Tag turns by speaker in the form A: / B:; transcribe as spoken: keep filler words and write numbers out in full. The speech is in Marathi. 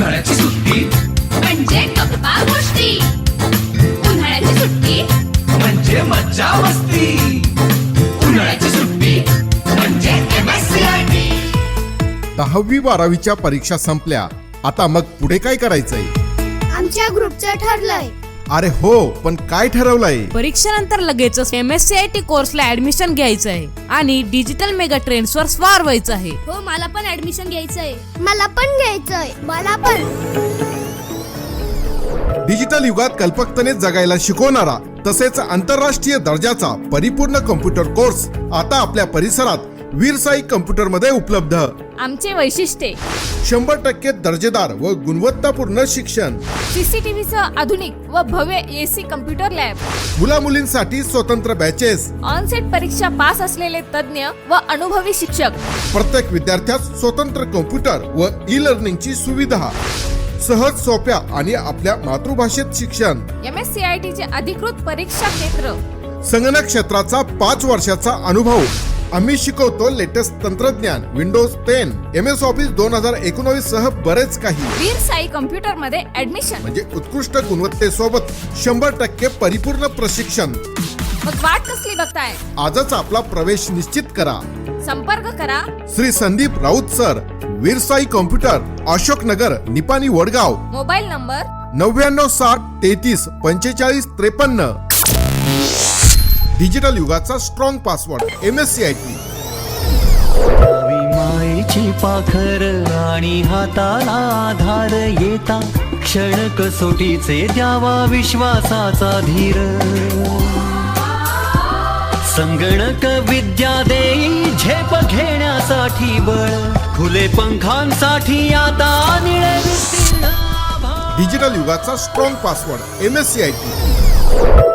A: उन्हाळ्याची सुट्टी
B: म्हणजे गप्पा गोष्टी, उन्हाळ्याची सुट्टी
A: म्हणजे मज्जा मस्ती, उन्हाळ्याची सुट्टी म्हणजे M S C I T.
C: दहावी बारावीच्या परीक्षा संपल्या, आता मग पुढे काय करायचंय?
D: आमच्या ग्रुपचं ठरलंय.
C: अरे हो, पण काय ठरवलंय?
E: परीक्षेनंतर लगेचच M S C I T कोर्सला ऍडमिशन घ्यायचं आहे आणि डिजिटल मेगा ट्रेंड्स वर स्वार व्हायचं आहे.
D: हो, मला पण ऍडमिशन घ्यायचंय. मला पण घ्यायचंय. मला पण.
C: डिजिटल युगात कल्पकतेने जगायला शिकवणारा तसेच आंतरराष्ट्रीय दर्जाचा परिपूर्ण कम्प्युटर कोर्स आता आपल्या परिसरात वीर साई कम्प्युटर मध्ये उपलब्ध.
E: आमचे वैशिष्ट्ये:
C: शंभर टक्के दर्जेदार व गुणवत्तापूर्ण शिक्षण,
E: सीसीटीव्हीचं आधुनिक व भव्य एसी कम्प्युटर लॅब,
C: मुला मुलींसाठी स्वतंत्र बॅचेस,
E: ऑनसेट परीक्षा पास असलेले तज्ञ व अनुभवी शिक्षक,
C: प्रत्येक विद्यार्थ्यास स्वतंत्र कम्प्युटर व ई लर्निंगची सुविधा, सहज सोप्या आणि आपल्या मातृभाषेत शिक्षण,
E: M S C I T चे अधिकृत परीक्षा केंद्र,
C: संगणक क्षेत्राचा पाच वर्षाचा अनुभव. आम्ही शिकवतो लेटेस्ट तंत्रज्ञान, Windows ten, M S Office दोन हजार एकोणवीस सह बरेच काही.
E: वीर साई कम्प्युटर मध्ये ऍडमिशन
C: म्हणजे उत्कृष्ट गुणवत्तेसोबत शंभर टक्के परिपूर्ण प्रशिक्षण.
E: मग वाट कसली बघताय?
C: आजच आपला प्रवेश निश्चित करा.
E: संपर्क करा
C: Shri Sandeep Raut sir, Veer Sai computer, Ashok Nagar, Nipani, Wadgaon.
E: Mobile number
C: नव्याण्णव साठ तेहतीस पंचेचाळीस त्रेपन्न. डिजिटल युगाचा strong password M S C I T.
F: मायेची पाखर आणि हाताला आधार येता, क्षण कसोटीचे द्यावा विश्वासाचा धीर. संगणक विद्या देई झेप घेण्यासाठी बळ, खुले पंखांसाठी आता निळे विस्तीर्ण आभाळ.
C: डिजिटल युगाचा strong password M S C I T.